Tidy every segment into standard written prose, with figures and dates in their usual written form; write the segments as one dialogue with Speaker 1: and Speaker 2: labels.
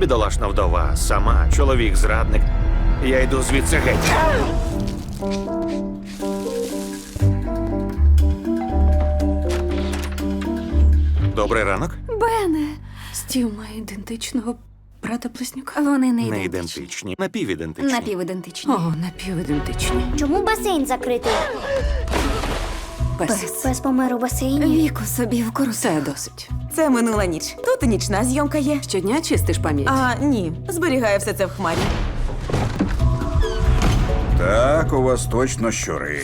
Speaker 1: Бідолашна вдова, сама, чоловік зрадник. Я йду звідси геть. Добрий ранок.
Speaker 2: Бене,
Speaker 3: Стів має ідентичного брата-близнюка.
Speaker 2: вони не
Speaker 1: Не
Speaker 2: ідентичні.
Speaker 1: ідентичні, напівідентичні.
Speaker 2: Напівідентичні.
Speaker 3: О, напівідентичні.
Speaker 4: Чому басейн закритий?
Speaker 3: Пес.
Speaker 4: Пес помер у басейні.
Speaker 2: Віку собі в кору.
Speaker 3: Все досить.
Speaker 5: Це минула ніч. Тут і нічна зйомка є.
Speaker 3: Щодня чистиш пам'ять.
Speaker 5: А, ні, зберігаю все це в хмарі.
Speaker 6: Так, у вас точно щури.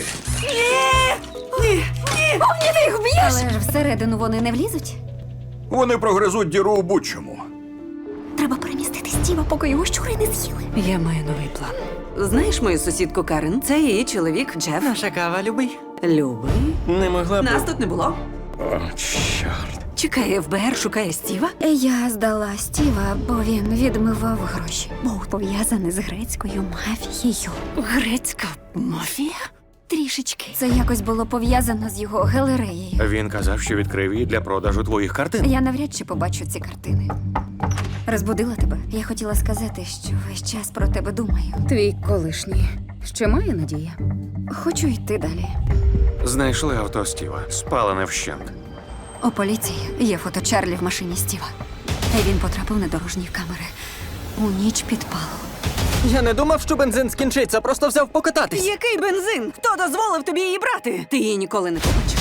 Speaker 2: Але ж всередину вони не влізуть.
Speaker 6: Вони прогризуть діру у будь-чому.
Speaker 2: Треба перемістити Стіва, поки його щури не з'їли.
Speaker 3: Я маю новий план. Знаєш мою сусідку Карен? Це її чоловік Джеф.
Speaker 7: Наша кава, любий.
Speaker 3: Любий.
Speaker 7: Не могла б.
Speaker 5: Нас тут не було.
Speaker 6: О, чорт.
Speaker 3: Чекає ФБР, шукає Стіва.
Speaker 2: Я здала Стіва, бо він відмивав гроші. Був пов'язаний з грецькою мафією.
Speaker 3: Грецька мафія?
Speaker 2: Трішечки. Це якось було пов'язано з його галереєю.
Speaker 1: Він казав, що відкрив її для продажу твоїх картин.
Speaker 2: Я навряд чи побачу ці картини. Розбудила тебе. Я хотіла сказати, що весь час про тебе думаю.
Speaker 8: Твій колишній. Ще має надія?
Speaker 2: Хочу йти далі.
Speaker 1: Знайшли авто Стіва, спалене вщент.
Speaker 2: У поліції є фото Чарлі в машині Стіва. І він потрапив на дорожні камери у ніч підпалу.
Speaker 7: Я не думав, що бензин скінчиться, просто взяв покататись.
Speaker 5: Який бензин? Хто дозволив тобі її брати?
Speaker 3: Ти її ніколи не побачиш.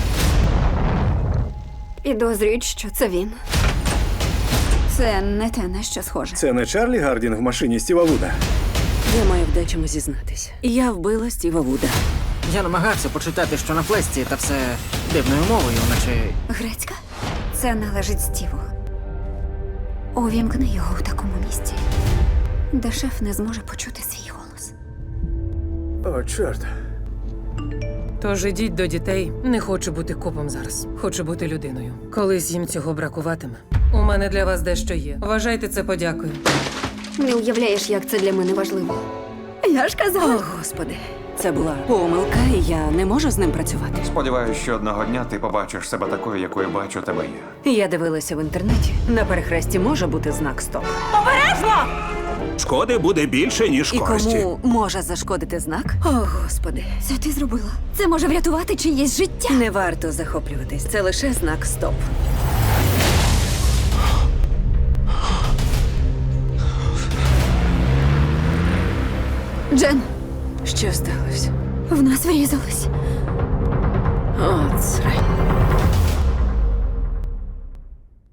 Speaker 2: Підозрюють, що це він. Це не те, на що схоже.
Speaker 9: Це не Чарлі Гардін в машині Стіва Вуда.
Speaker 3: Я маю в дечому зізнатись. Я вбила Стіва Вуда.
Speaker 7: Я намагався почитати, що на флесці, та все дивною мовою, наче.
Speaker 2: Грецька? Це належить Стіву. Увімкни його в такому місці, де шеф не зможе почути свій голос.
Speaker 9: О, чорт.
Speaker 10: Тож ідіть до дітей. Не хочу бути копом зараз. Хочу бути людиною. Колись їм цього бракуватиме. У мене для вас дещо є. Вважайте це подякою.
Speaker 2: Не уявляєш, як це для мене важливо. Я ж казала.
Speaker 3: О, Господи. Це була помилка, і я не можу з ним працювати.
Speaker 1: Сподіваюсь, що одного дня ти побачиш себе такою, якою бачу тебе я.
Speaker 3: Я дивилася в інтернеті. На перехресті може бути знак «Стоп».
Speaker 9: Шкоди буде більше, ніж
Speaker 3: І
Speaker 9: користі.
Speaker 3: кому може зашкодити знак? О, Господи.
Speaker 2: Це ти зробила. Це може врятувати чиєсь життя.
Speaker 3: Не варто захоплюватись. Це лише знак «Стоп».
Speaker 2: Джен,
Speaker 3: Що сталося?
Speaker 2: в нас врізались.
Speaker 3: От срань.